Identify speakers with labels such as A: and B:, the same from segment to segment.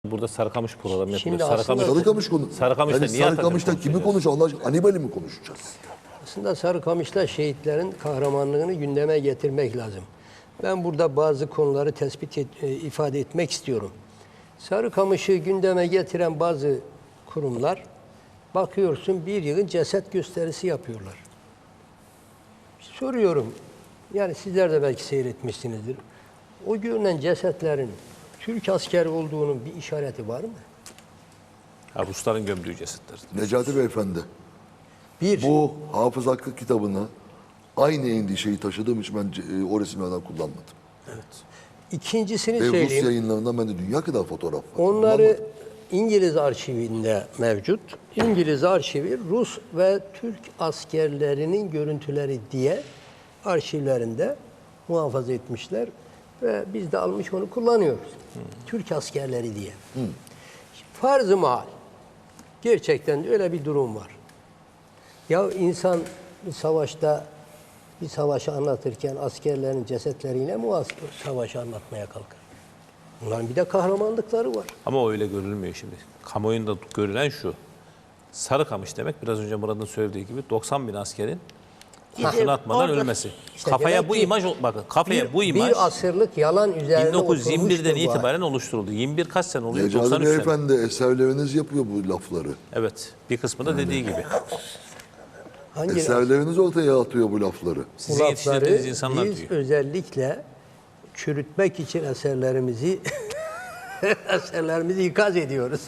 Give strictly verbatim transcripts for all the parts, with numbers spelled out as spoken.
A: Burada Sarıkamış programı
B: Şimdi
A: yapıyoruz. Sarıkamış,
B: aslında-
C: Sarıkamış konu.
A: Sarıkamış'ta
C: yani
A: niye
C: Sarıkamış'ta
A: Atatürk
C: kimi
A: konuşacağız?
C: konuşacağız? Allah aşkına Hanibal'i mi konuşacağız?
B: Aslında Sarıkamış'ta şehitlerin kahramanlığını gündeme getirmek lazım. Ben burada bazı konuları tespit et, e, ifade etmek istiyorum. Sarıkamış'ı gündeme getiren bazı kurumlar, bakıyorsun bir yığın ceset gösterisi yapıyorlar. Soruyorum, yani sizler de belki seyretmişsinizdir. O görünen cesetlerin Türk askeri olduğunun bir işareti var mı?
A: Ha, Rusların gömdüğü cesetler.
C: Necati Beyefendi,
B: Bir,
C: bu Hafız Hakkı kitabını aynı endişeyi taşıdığım için ben e, o resimlerden kullanmadım.
B: ikincisini
C: Ve Rus
B: söyleyeyim.
C: yayınlarından bende dünya kadar fotoğraf var.
B: Onları
C: Kullanmadım.
B: İngiliz arşivinde mevcut. İngiliz arşivi Rus ve Türk askerlerinin görüntüleri diye arşivlerinde muhafaza etmişler. Ve biz de almış onu kullanıyoruz. Türk askerleri diye. Farz-ı mahal. Gerçekten de öyle bir durum var. Ya insan bir savaşta bir savaşı anlatırken askerlerin cesetleriyle mi o savaşı anlatmaya kalkar? Bunların bir de kahramanlıkları var.
A: Ama o öyle görülmüyor şimdi. Kamuoyunda görülen şu. Sarıkamış demek biraz önce Murat'ın söylediği gibi doksan bin askerin takını atmadan
D: orada-
A: ölmesi.
B: İşte
A: kafaya
B: demek
A: bu
B: ki
A: imaj, bakın kafaya
B: Bir,
A: bu imaj
B: bir asırlık yalan üzerine
A: bin dokuz yüz yirmi birden
B: oturmuştur bu.
A: itibaren oluşturuldu. yirmi bir kaç sene oluyor?
C: Necati
A: doksan üç sene.
C: Beyefendi eserleriniz yapıyor bu lafları.
A: Evet. Bir kısmı da dediği gibi.
B: Hangi
C: Eserleriniz ortaya atıyor bu lafları.
A: Sizin
B: bu
A: yetiştirdiğiniz
B: lafları
A: insanlar
B: biz
A: diyor.
B: özellikle çürütmek için eserlerimizi eserlerimizi ikaz ediyoruz.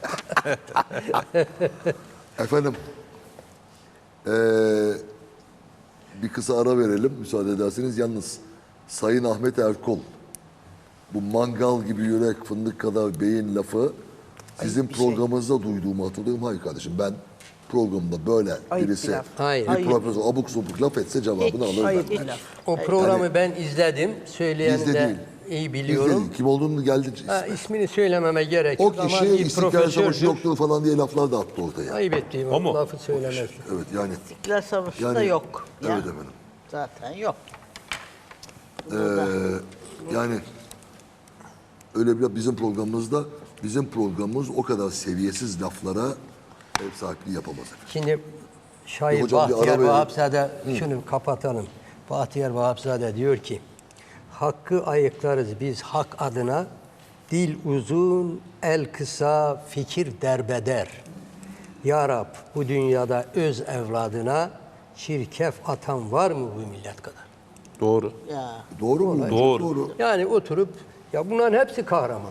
C: Efendim, eee, bir kısa ara verelim müsaade ederseniz. Yalnız Sayın Ahmet Erkol, bu mangal gibi yürek fındık kadar beyin lafı sizin programınızda duyduğumu hatırlıyorum. Hayır kardeşim, ben programda böyle
D: Ayıp
C: birisi
D: bir laf.
B: Hayır.
C: bir
D: Ayıp.
C: profesör abuk subuk laf etse cevabını
D: Hiç
C: alır
D: ayıp
C: benden.
D: bir laf.
B: O programı ben izledim. Söyleyeni
C: Bizde
B: de
C: değil.
B: iyi
C: Biz
B: biliyorum.
C: değil. Kim olduğunu geldi.
B: Ha, ismini söylememe gerek
C: O
B: yok ama
C: kişi
B: bir
C: İstiklal Savaşı
B: profesördür.
C: yoktur falan diye laflar da attı ortaya.
B: Ayıp ettiğim
A: O mu?
B: lafı söylemez.
C: Evet yani.
D: İstiklal Savaşı da
C: Yani-
D: yok.
C: Evet
D: Ya.
C: efendim.
D: Zaten yok.
C: Ee, yani öyle bir bizim programımızda bizim programımız o kadar seviyesiz laflara ev sahipliği yapamaz efendim.
B: Şimdi şair
C: Hocam bir ara
B: Bahtiyar
C: verelim.
B: Vahapzade, şunu kapatalım. Bahtiyar Vahapzade diyor ki, hakkı ayıklarız biz hak adına, dil uzun, el kısa, fikir derbeder. Ya Rab, bu dünyada öz evladına çirkef atan var mı bu millet kadar?
A: Doğru.
D: Ya.
C: Doğru mu? Çok
A: Doğru.
C: doğru.
B: Yani oturup, ya bunların hepsi kahraman.